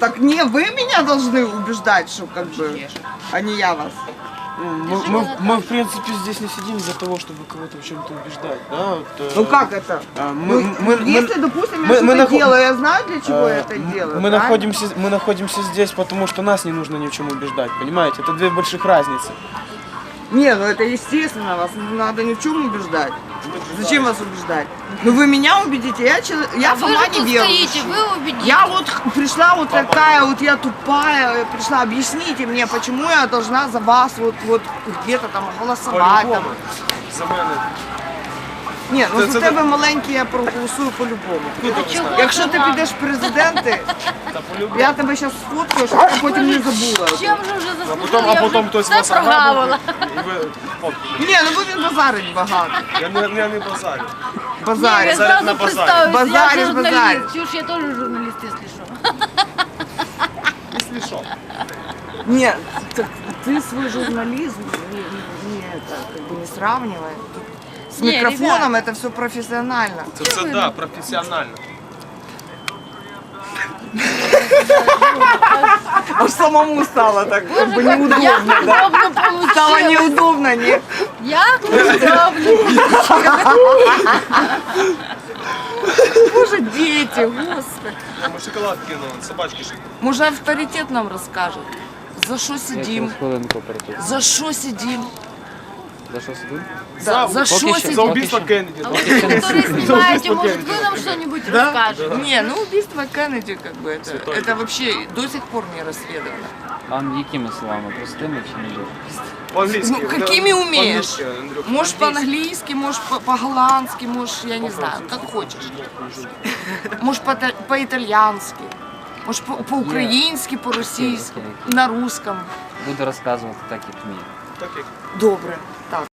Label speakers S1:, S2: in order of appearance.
S1: Так не вы меня должны убеждать, что как бы, а не я вас.
S2: Мы, в принципе, здесь не сидим для того, чтобы кого-то в чем-то убеждать, да? Вот,
S1: Ну как это? Если, допустим, я что-то делаю, я знаю, для чего я это делаю.
S2: Мы находимся здесь, потому что нас не нужно ни в чем убеждать, понимаете? Это две больших разницы.
S1: Не, ну это естественно, вас не надо ни в чем убеждать. Зачем вас убеждать? Ну вы меня убедите, я сама не верующая.
S3: Стоите, вы убедите.
S1: Я вот пришла вот такая, вот я тупая, пришла, объясните мне, почему я должна за вас вот где-то там голосовать. Там.
S2: За мене.
S1: Ні, ну за тебе маленький я проголосую по-любому. Якщо ти підеш в президенти, я тебе зараз сфоткаю, щоб ти потім не забула.
S3: Чим же вже заслужили?
S2: А потім хтось вас
S3: прогавила.
S2: і ви фоткаєте.
S1: Ні, ну бо він базарить багато.
S2: Я не базарю.
S3: Я
S1: Базарить.
S3: сразу
S2: на базаре.
S3: представилась,
S1: Базаришь,
S3: я журналист.
S1: базаришь.
S3: Чушь, я тоже журналист, если что.
S2: Якщо що.
S1: Нет, так ты свой журнализм не сравнивай. С
S3: Не,
S1: микрофоном это все профессионально.
S2: Це да, професіонально.
S1: Аж самому стало так как бы неудобно.
S3: Як удобно получилось.
S1: Стало неудобно, не?
S3: Як удобно.
S1: Боже, дети, господи.
S2: Ми шоколад кинули, собачки ще.
S1: Може авторитет нам розкаже? За що сидим?
S4: Хвилинку перед.
S1: За що сидим?
S4: За що сидим?
S1: Да, за що
S2: За
S1: сидим?
S2: убийство Кеннеді.
S3: А вы, которые снимаете, может, вы нам что-нибудь расскажете?
S1: Не, ну убийство Кеннеди, как бы, это вообще до сих пор не расследовано.
S4: А якими словами? Простими чи не дуже?
S2: По-англійськи.
S1: Ну, какими умеешь?
S2: По-англійськи, Андрюх.
S1: Можешь по-английски, можешь по-голландски, можешь, я не знаю, как хочешь. Можешь по-итальянски, можешь по-украински, по-російськи, на русском.
S4: Буду розказувати так, як вмію.
S2: Так як
S1: Добре, так.